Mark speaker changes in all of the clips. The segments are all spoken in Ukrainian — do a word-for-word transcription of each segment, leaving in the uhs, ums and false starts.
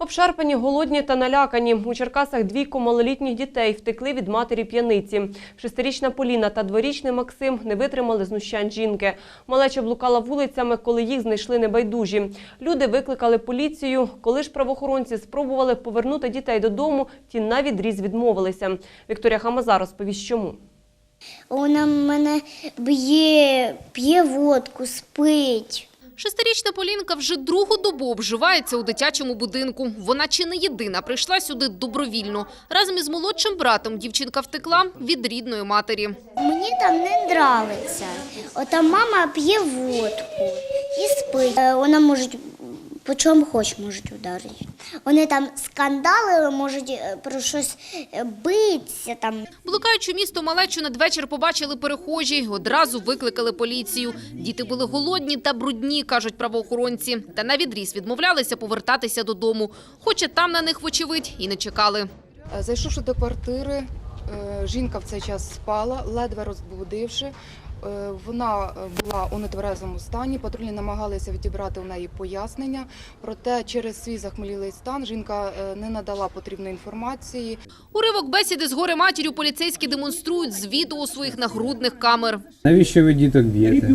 Speaker 1: Обшарпані, голодні та налякані. У Черкасах двійко малолітніх дітей втекли від матері п'яниці. Шестирічна Поліна та дворічний Максим не витримали знущань жінки. Малеча блукала вулицями, коли їх знайшли небайдужі. Люди викликали поліцію. Коли ж правоохоронці спробували повернути дітей додому, ті навідріз відмовилися. Вікторія Хамаза розповість, чому.
Speaker 2: Вона мене б'є, п'є водку, спить.
Speaker 3: Шестирічна Полінка вже другу добу обживається у дитячому будинку. Вона чи не єдина прийшла сюди добровільно. Разом із молодшим братом дівчинка втекла від рідної матері.
Speaker 2: Мені там не подобається. Ота мама п'є водку і спить. Е, Вона може по чому хоч можуть ударити. Вони там скандалили, можуть е, про щось е, битися там.
Speaker 3: Блукаючи місто малечу надвечір побачили перехожі, одразу викликали поліцію. Діти були голодні та брудні, кажуть правоохоронці. Та навідріз відмовлялися повертатися додому. Хоча там на них, вочевидь, і не чекали.
Speaker 4: Зайшовши до квартири, жінка в цей час спала, ледве розбудивши. Вона була у нетверезому стані, патрульні намагалися відібрати у неї пояснення, проте через свій захмелілий стан жінка не надала потрібної інформації.
Speaker 3: Уривок бесіди з горе-матір'ю поліцейські демонструють з відео своїх нагрудних камер.
Speaker 5: Навіщо ви діток б'єте?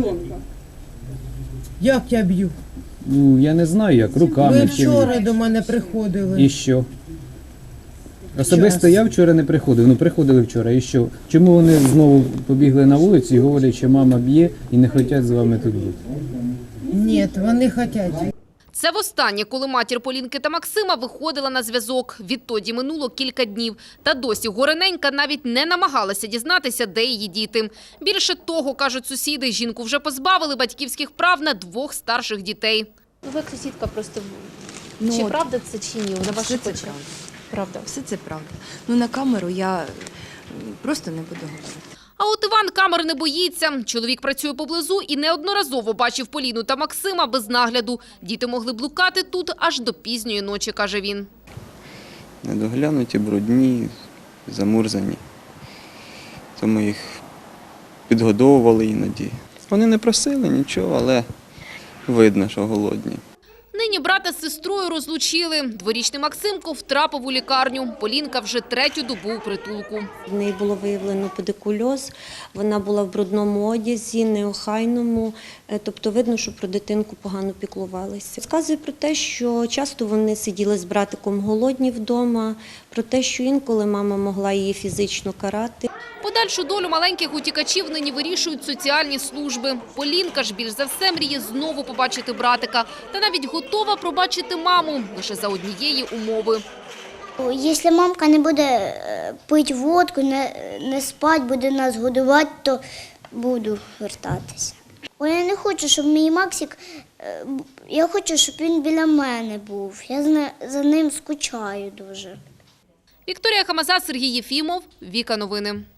Speaker 6: Як я б'ю?
Speaker 5: Ну, я не знаю як, руками.
Speaker 6: Ви
Speaker 5: чи-
Speaker 6: вчора до мене приходили.
Speaker 5: І що? Особисто я вчора не приходив, ну приходили вчора, і що? Чому вони знову побігли на вулицю і говорять, що мама б'є і не хочуть з вами тут бути?
Speaker 6: Ні, вони хочуть.
Speaker 3: Це востаннє, коли матір Полінки та Максима виходила на зв'язок. Відтоді минуло кілька днів. Та досі горененька навіть не намагалася дізнатися, де її діти. Більше того, кажуть сусіди, жінку вже позбавили батьківських прав на двох старших дітей.
Speaker 7: Ну, ви як сусідка просто,
Speaker 8: Ну,
Speaker 7: чи
Speaker 8: от,
Speaker 7: правда це чи ні, на
Speaker 8: все
Speaker 7: ваших
Speaker 8: це
Speaker 7: очах?
Speaker 8: правда.
Speaker 7: Правда.
Speaker 8: Все це правда. Ну, на камеру я просто не буду говорити.
Speaker 3: А от Іван камер не боїться. Чоловік працює поблизу і неодноразово бачив Поліну та Максима без нагляду. Діти могли блукати тут аж до пізньої ночі, каже він.
Speaker 9: Недоглянуті, брудні, замурзані. Тому їх підгодовували іноді. Вони не просили нічого, але видно, що голодні.
Speaker 3: Нині брата з сестрою розлучили. Дворічний Максимко втрапив у лікарню. Полінка вже третю добу у притулку.
Speaker 10: В неї було виявлено педикульоз, вона була в брудному одязі, неохайному, тобто видно, що про дитинку погано піклувалися. Сказує про те, що часто вони сиділи з братиком голодні вдома, про те, що інколи мама могла її фізично карати.
Speaker 3: Подальшу долю маленьких утікачів нині вирішують соціальні служби. Полінка ж більш за все мріє знову побачити братика. Та навіть готова пробачити маму лише за однієї умови.
Speaker 2: Якщо мамка не буде е, пити водку, не, не спати, буде нас годувати, то буду вертатися. Бо я не хочу, щоб мій Максик, е, я хочу, щоб він біля мене був. Я за, за ним скучаю дуже.
Speaker 3: Вікторія Хамаза, Сергій Єфімов, Віка Новини.